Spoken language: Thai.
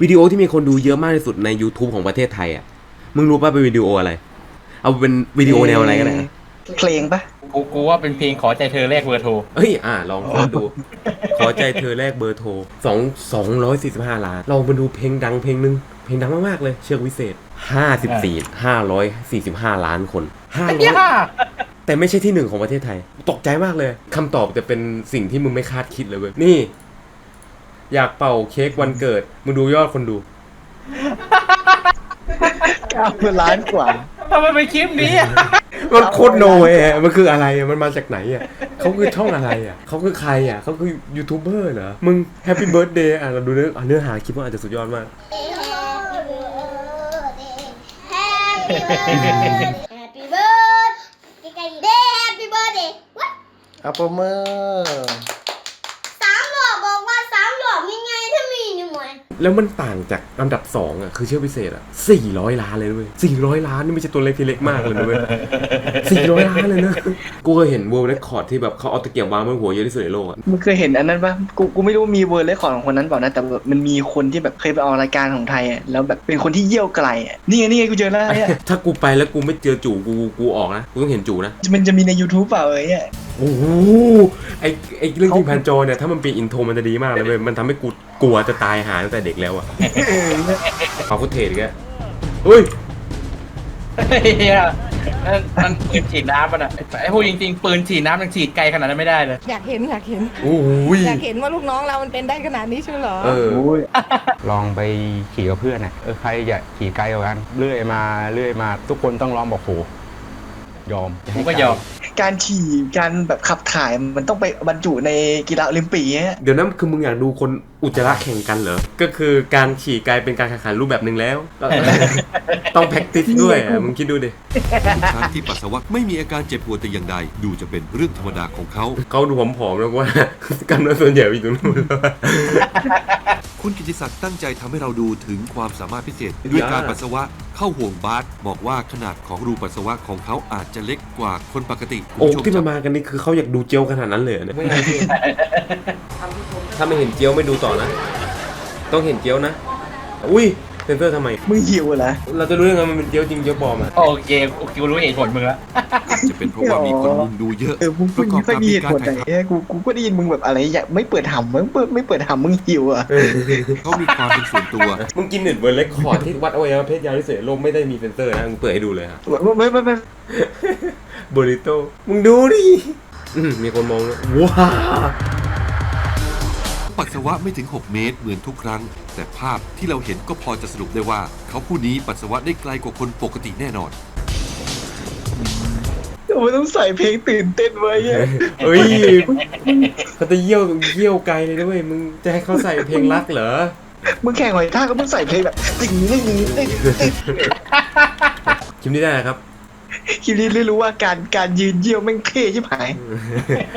วิดีโอที่มีคนดูเยอะมากที่สุดใน YouTube ของประเทศไทยอ่ะมึงรู้ป่ะเป็นวิดีโออะไรเอาเป็นวิดีโอแนวอะไรก็ได้เพลงปะกูว่าเป็นเพลงขอใจเธอแลกเบอร์โทรเฮ้ยลองดู ขอใจเธอแลกเบอร์โทร245 ล้านลองมาดูเพลงดังเพลงนึงเพลงดังมากๆเลยเชือกวิเศษ545 ล้านคน500แต่ไม่ใช่ที่หนึ่งของประเทศไทยตกใจมากเลยคำตอบจะเป็นสิ่งที่มึงไม่คาดคิดเลยเว้ยนี่อยากเป่าเค้กวันเกิดมึงดูยอดคนดู 9 ล้านกว่าทำไมเป็นคลิปนี้อ่ะมันโคตรโนเว้ยมันคืออะไรมันมาจากไหนอ่ะเขาคือช่องอะไรอ่ะเขาคือใครอ่ะเขาคือยูทูบเบอร์เหรอมึงแฮปปี้เบิร์ดเดย์เราดูเนื้อหาคลิปมันอาจจะสุดยอดมาก Happy birthday Happy birthday What เอาประเมิน 3 หลอกบอกว่า3 หลอกยังไงถ้ามีหนึ่งหน่วยแล้วมันต่างจากอันดับ2อ่ะคือเชือกพิเศษอ่ะ400 ล้านเลยด้วย400 ล้านนี่ไม่ใช่ตัวเล็กที่เล็กมากเลยด้วย400 ล้านเลยนะกูเคยเห็น World Record ที่แบบเขาเอาตะเกียบวางบนหัวเยอะที่สุดในโลกอ่ะมึงเคยเห็นอันนั้นปะกูไม่รู้ว่ามีเวอร์เรคคอร์ดของคนนั้นเปล่านะแต่แบบมันมีคนที่แบบเคยไปออกรายการของไทยอ่ะแล้วแบบเป็นคนที่เยี่ยวไกลอ่ะนี่ไงกูเจอแล้วเนี่ยถ้ากูไปแล้วกูไม่เจอจู่กูออกนะกูต้องเห็นจู่นะมันจะมีใน YouTube เปล่าเนี่ยโอ้โหไอเรื่องจริงพันโจเนี่ยถ้ามันเป็นอินโทรมันจะดีมากเลยเว้ยมันทำให้กูกลัวจะตายหาตั้งแต่เด็กแล้วอ่ะเอาฟุตเทจแกเฮ้ยเฮียมันปืนฉีดน้ำมันอ่ะไอ้พวกจริงๆปืนฉีดน้ำยังฉีดไกลขนาดนั้นไม่ได้เลยอยากเห็นโอ้ยอยากเห็นว่าลูกน้องเรามันเป็นได้ขนาดนี้ใช่เหรอเออลองไปขี่กับเพื่อนใครอยากขี่ไกลกว่ากันเรื่อยมาทุกคนต้องลองบอกโหยอมกูก็ยอมการขี่การแบบขับถ่ายมันต้องไปบรรจุในกีฬาโอลิมปิกเนี่ยเดี๋ยวนั้นคือมึงอยากดูคนอุจจาระแข่งกันเหรอ ก็คือการขี่กลายเป็นการแข่งขันรูปแบบหนึ่งแล้ว ต้องแพ็กติสด้วยอะมึงคิดดูดิช้างที่ปัสสาวะไม่มีอาการเจ็บปวดแต่อย่างใดดูจะเป็นเรื่องธรรมดาของเขาเขาดูผอมๆแล้วว่า กล้ามเนื้อส่วนใหญ่อยู่ตรงนู้นแล้วอะคุณกิติศักดิ์ตั้งใจทำให้เราดูถึงความสามารถพิเศษ ด้วยการปัสสาวะเข้าห่วงบาสบอกว่าขนาดของรูปัสสาวะของเขาอาจจะเล็กกว่าคนปกติโอ้ที่มากันนี่คือเขาอยากดูเจียวขนาดนั้นเลยเหรอเนี่ยถ้าไม่เห็นเจียวไม่ดูต่อนะ ต้องเห็นเจียวนะ อุ้ยเซนเซอร์ทำไมมึงหิวเหรอเราจะรู้ยังไงมันเป็นเจียวจริงเจียวปลอมอ่ะโอเคกูรู้เหตุผลมึงแล้วจะเป็นเพราะว่ามีคนมุงดูเยอะมึงประกอบไม่ค่อยกับมีมีเหตุการผลไหนถ่ายทเนี่ยกูก็ได้ยินมึงแบบอะไรอยากไม่เปิดหำไม่เปิดหำมึงหิวอ่ะำเขามีความเป็นส่วนตัวมึงกินเน็ตเวิร์ดเรคคอร์ดที่วัดอวัยวะเพศยาวที่สุดในโลกไม่ได้มีเซนเซอร์นะมึงเปิดให้ดูเลยครับไม่โบริโตมึงดูดิมีคนมองแล้วว้าวปัสสาวะไม่ถึง 6 เมตรเหมือนทุกครั้ง แต่ภาพที่เราเห็นก็พอจะสรุปได้ว่า เขาผู้นี้ปัสสาวะได้ไกลกว่าคนปกติแน่นอนทำไมต้องใส่เพลงตื่นเต้นไว้เนี่ยเฮ้ยเขาจะเยี่ยวไกลเลยด้วยมึงจะให้เขาใส่เพลงรักเหรอมึงแข่งหอยทากก็มึงใส่เพลงแบบติ่งนี่คลิปนี้ได้นะครับคิดนี้รู้ว่าการยืนเยี่ยวแม่งเท่ชิบหาย